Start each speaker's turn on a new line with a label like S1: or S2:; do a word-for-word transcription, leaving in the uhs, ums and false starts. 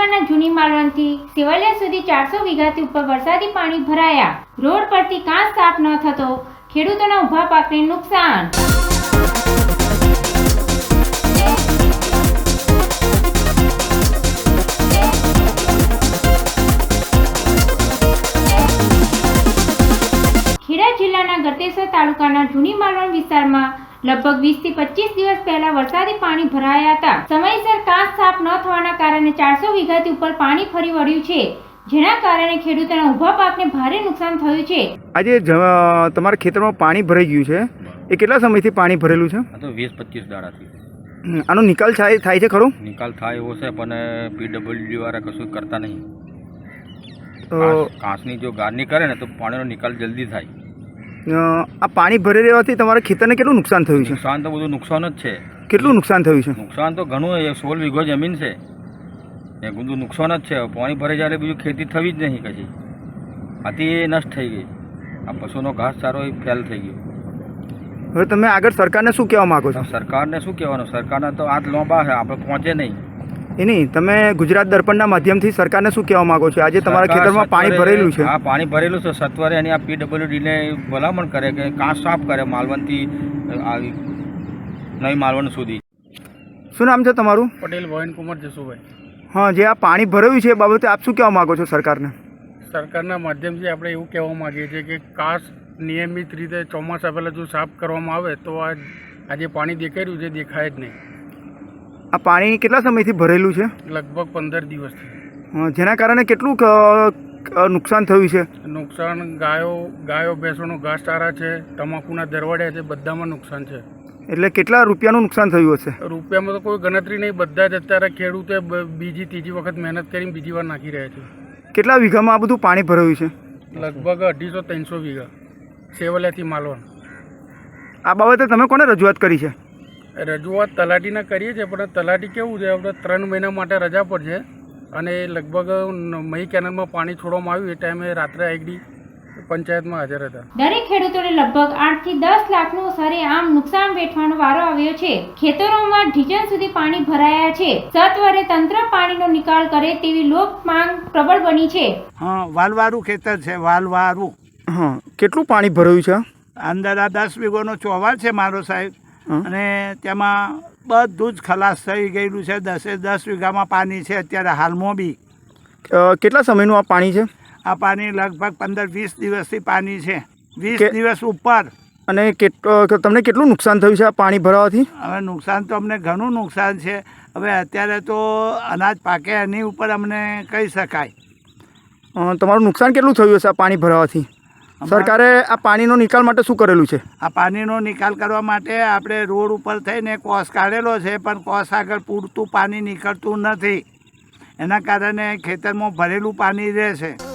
S1: તાલુકાના જૂની માલવણથી સેવલિયા સુધી ચારસો વીઘાથી ઉપર વરસાદી પાણી ભરાયા. રોડ પરથી કાંસ સાફ ન થતો ખેડૂતોના ઊભા પાકને નુકસાન. ખેડા જિલ્લાના ગળતેશ્વર તાલુકાના જૂની માલવણ વિસ્તારમાં લગભગ વીસ થી પચીસ દિવસ પહેલા વરસાદી પાણી ભરાયા હતા. સમયસર કાંસ સાફ ન થવાના કારણે ચારસો વીઘાથી ઉપર પાણી ફરી વળ્યું છે, જેના કારણે ખેડૂતોના ઊભા પાકને ભારે નુકસાન થયું છે.
S2: આજે તમારા ખેતરમાં પાણી ભરાઈ ગયું છે, એ કેટલા સમયથી પાણી ભરેલું છે?
S3: આ તો વીસ પચીસ દાડાથી.
S2: આનો નિકાલ થાય થાય છે ખરો?
S3: નિકાલ થાય એવો છે, પણ પીડબ્લ્યુડી વાળા કશું કરતા નહીં. કાંસની જો ગારની કરે ને તો પાણીનો નિકાલ જલ્દી થાય.
S2: આ પાણી ભરી રહેવાથી તમારા ખેતરને કેટલું નુકસાન થયું છે?
S3: નુકસાન તો બધું નુકસાન જ છે.
S2: કેટલું નુકસાન થયું છે?
S3: નુકસાન તો ઘણું, એ સોળ વીઘો જમીન છે, એ બધું નુકસાન જ છે. પાણી ભરાઈ જાય બીજું ખેતી થવી જ નહીં કશી. આથી એ નષ્ટ થઈ ગઈ. આ પશુનો ઘાસ ચારો એ ફેલ થઈ ગયો.
S2: હવે તમે આગળ સરકારને શું કહેવા માગો છો?
S3: સરકારને શું કહેવાનું? સરકારને તો હાથ લોંબા છે, આપણે પહોંચે નહીં.
S2: એ નહીં, તમે ગુજરાત દર્પણના માધ્યમથી સરકારને શું કહેવા માંગો છો? આજે તમારા ખેતરમાં પાણી ભરેલું છે.
S3: હા, પાણી ભરેલું છે. સત્વરે એની આ પીડબ્લ્યુડીને ભલામણ કરે કે કાંસ સાફ કરે માલવણથી આવી નવી માલવણ સુધી.
S2: શું નામ છે તમારું?
S4: પટેલ ભવન કુમાર જસુભાઈ.
S2: હા, જે આ પાણી ભરાયું છે એ બાબતે આપ શું કહેવા માગો છો સરકારને?
S4: સરકારના માધ્યમથી આપણે એવું કહેવા માગીએ છીએ કે કાંસ નિયમિત રીતે ચોમાસા પહેલાં જો સાફ કરવામાં આવે તો આ આજે પાણી દેખાઈ રહ્યું છે દેખાય જ નહીં.
S2: આ પાણી કેટલા સમયથી ભરેલું છે?
S4: લગભગ પંદર દિવસથી.
S2: જેના કારણે કેટલું નુકસાન થયું છે?
S4: નુકસાન ગાયો ગાયો ભેંસોનો ઘાસચારા છે, તમાકુના દરવાડિયા છે, બધામાં નુકસાન છે.
S2: એટલે કેટલા રૂપિયાનું નુકસાન થયું હશે?
S4: રૂપિયામાં તો કોઈ ગણતરી નહીં. બધા જ અત્યારે ખેડૂતે બીજી ત્રીજી વખત મહેનત કરીને બીજી વાર નાખી રહ્યા છે.
S2: કેટલા વીઘામાં આ બધું પાણી ભરાયું છે?
S4: લગભગ અઢીસો ત્રણસો વીઘા સેવલિયાથી માલવણ.
S2: આ બાબતે તમે કોને રજૂઆત કરી છે?
S4: રજૂઆત તલાટીના કરીએ છીએ, પણ તલાટી કેવું છે, આપણે ત્રણ મહિના માટે રજા પર છે અને લગભગ મહી કેનાલમાં પાણી છોડવામાં આવ્યું એ ટાઈમે રાત્રે આઈડી પંચાયતમાં હાજર હતા.
S1: દરેક ખેડૂતોને લગભગ આઠ થી દસ લાખનું સરેઆમ નુકસાન વેઠવાનો વારો આવ્યો છે. ખેતરોમાં ઢીચણ સુધી પાણી ભરાયા છે. સત્વરે તંત્ર પાણીનો નિકાલ કરે તેવી લોક માંગ પ્રબળ બની છે.
S5: હા, વાલવારું ખેતર છે, વાલવારું.
S2: હા, કેટલું પાણી ભરાયું છે?
S5: અંદર આ દસ વીઘોનો ચોવાર છે મારો સાહેબ, અને તેમાં બધું જ ખલાસ થઈ ગયેલું છે. દસે દસ વીઘામાં પાણી છે અત્યારે હાલમાં બી.
S2: કેટલા સમયનું આ પાણી છે?
S5: આ પાણી લગભગ પંદર વીસ દિવસથી પાણી છે, વીસ દિવસ ઉપર.
S2: અને તમને કેટલું નુકસાન થયું છે આ પાણી ભરાવાથી?
S5: હવે નુકસાન તો અમને ઘણું નુકસાન છે. હવે અત્યારે તો અનાજ પાકે એની ઉપર અમને કહી શકાય.
S2: તમારું નુકસાન કેટલું થયું હશે આ પાણી ભરાવાથી? સરકારે આ પાણીનો નિકાલ માટે શું કરેલું છે?
S5: આ પાણીનો નિકાલ કરવા માટે આપણે રોડ ઉપર થઈને કોસ કાઢેલો છે, પણ કોસ આગળ પૂરતું પાણી નીકળતું નથી. એના કારણે ખેતરમાં ભરેલું પાણી રહે છે.